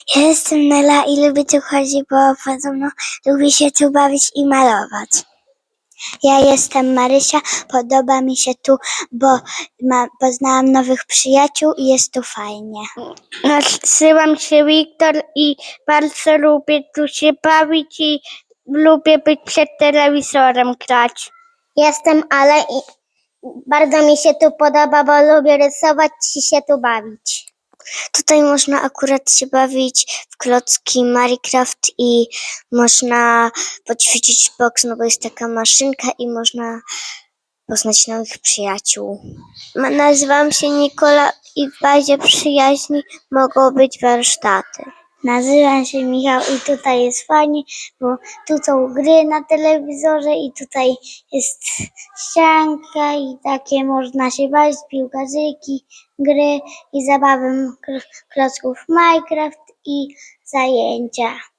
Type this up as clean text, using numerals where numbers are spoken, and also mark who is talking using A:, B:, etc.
A: Ja jestem Nela i lubię tu chodzić, bo podobno lubię się tu bawić i malować. Ja jestem Marysia, podoba mi się tu, bo poznałam nowych przyjaciół i jest tu fajnie.
B: Nazywam się Wiktor i bardzo lubię tu się bawić i lubię być przed telewizorem grać.
C: Jestem Ale i bardzo mi się tu podoba, bo lubię rysować i się tu bawić.
A: Tutaj można akurat się bawić w klocki Minecraft i można poćwiczyć boks, no bo jest taka maszynka i można poznać nowych przyjaciół. Nazywam się Nikola i w bazie przyjaźni mogą być warsztaty. Nazywam się Michał i tutaj jest fajnie, bo tu są gry na telewizorze i tutaj jest ścianka i takie można się bawić, piłkarzyki, gry i zabawy klocków Minecraft i zajęcia.